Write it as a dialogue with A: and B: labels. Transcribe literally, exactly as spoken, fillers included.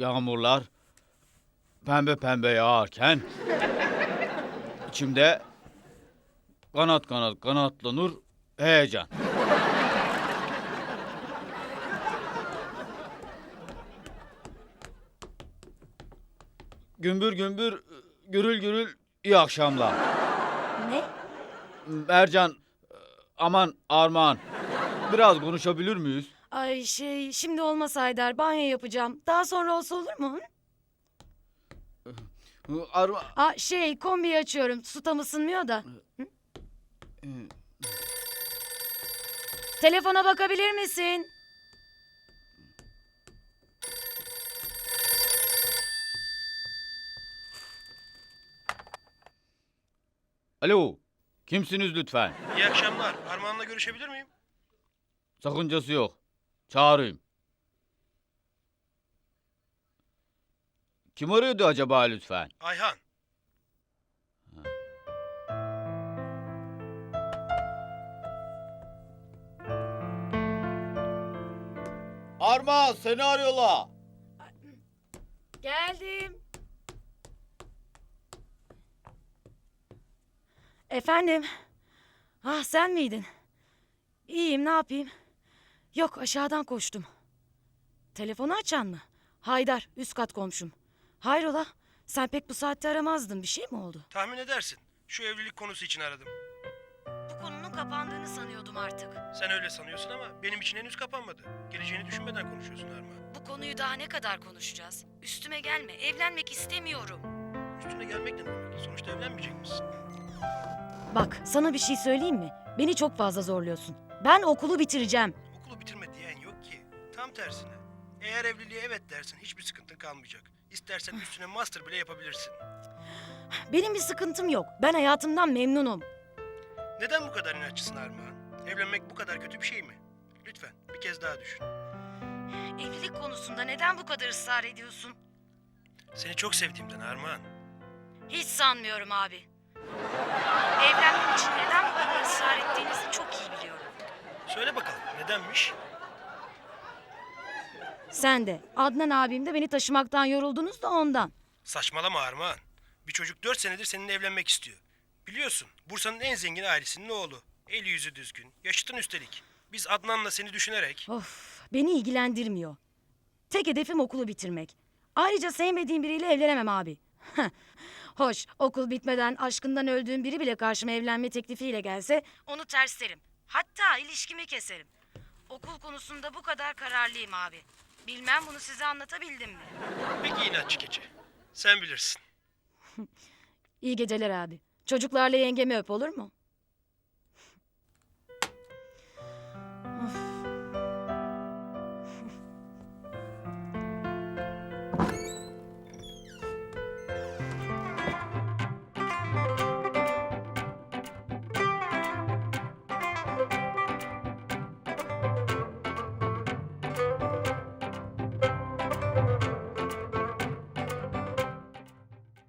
A: Yağmurlar pembe pembe yağarken içimde kanat kanat kanatlanır heyecan. Gümbür gümbür, gürül gürül iyi akşamlar.
B: Ne?
A: Mercan, aman Armağan, biraz konuşabilir miyiz?
B: Ay şey şimdi olmaz Haydar, banyo yapacağım. Daha sonra olsa olur mu?
A: Arma...
B: Aa şey kombiyi açıyorum. Su tam ısınmıyor da. Hı? Telefona bakabilir misin?
A: Alo, kimsiniz lütfen?
C: İyi akşamlar. Armağan'la görüşebilir miyim?
A: Sakıncası yok. Çağırayım. Kim arıyordu acaba lütfen?
C: Ayhan.
A: Armağan seni arıyorlar.
B: Geldim. Efendim? Ah sen miydin? İyiyim ne yapayım? Yok aşağıdan koştum. Telefonu açan mı? Haydar üst kat komşum. Hayrola? Sen pek bu saatte aramazdın. Bir şey mi oldu?
C: Tahmin edersin. Şu evlilik konusu için aradım.
B: Bu konunun kapandığını sanıyordum artık.
C: Sen öyle sanıyorsun ama benim için henüz kapanmadı. Geleceğini düşünmeden konuşuyorsun Armağan.
B: Bu konuyu daha ne kadar konuşacağız? Üstüme gelme. Evlenmek istemiyorum.
C: Üstüne gelmek ne demek? Sonuçta evlenmeyecek misin?
B: Bak sana bir şey söyleyeyim mi? Beni çok fazla zorluyorsun. Ben okulu bitireceğim.
C: Okulu bitirme diyen yok ki. Tam tersine. Eğer evliliğe evet dersin hiçbir sıkıntın kalmayacak. İstersen üstüne master bile yapabilirsin.
B: Benim bir sıkıntım yok. Ben hayatımdan memnunum.
C: Neden bu kadar inatçısın Armağan? Evlenmek bu kadar kötü bir şey mi? Lütfen bir kez daha düşün.
B: Evlilik konusunda neden bu kadar ısrar ediyorsun?
C: Seni çok sevdiğimden Armağan.
B: Hiç sanmıyorum abi. Evlenmem için neden bu kadar ısrar ettiğinizi çok iyi biliyorum.
C: Söyle bakalım nedenmiş?
B: Sen de, Adnan abim de beni taşımaktan yoruldunuz da ondan.
C: Saçmalama Armağan. Bir çocuk dört senedir seninle evlenmek istiyor. Biliyorsun Bursa'nın en zengin ailesinin oğlu. Eli yüzü düzgün, yaşıtın üstelik. Biz Adnan'la seni düşünerek...
B: Of, beni ilgilendirmiyor. Tek hedefim okulu bitirmek. Ayrıca sevmediğim biriyle evlenemem abi. Hoş, okul bitmeden aşkından öldüğüm biri bile karşıma evlenme teklifiyle gelse onu terslerim. Hatta ilişkimi keserim. Okul konusunda bu kadar kararlıyım abi. Bilmem bunu size anlatabildim mi?
C: Peki inatçı keçi. Sen bilirsin.
B: İyi geceler abi. Çocuklarla yengemi öp olur mu?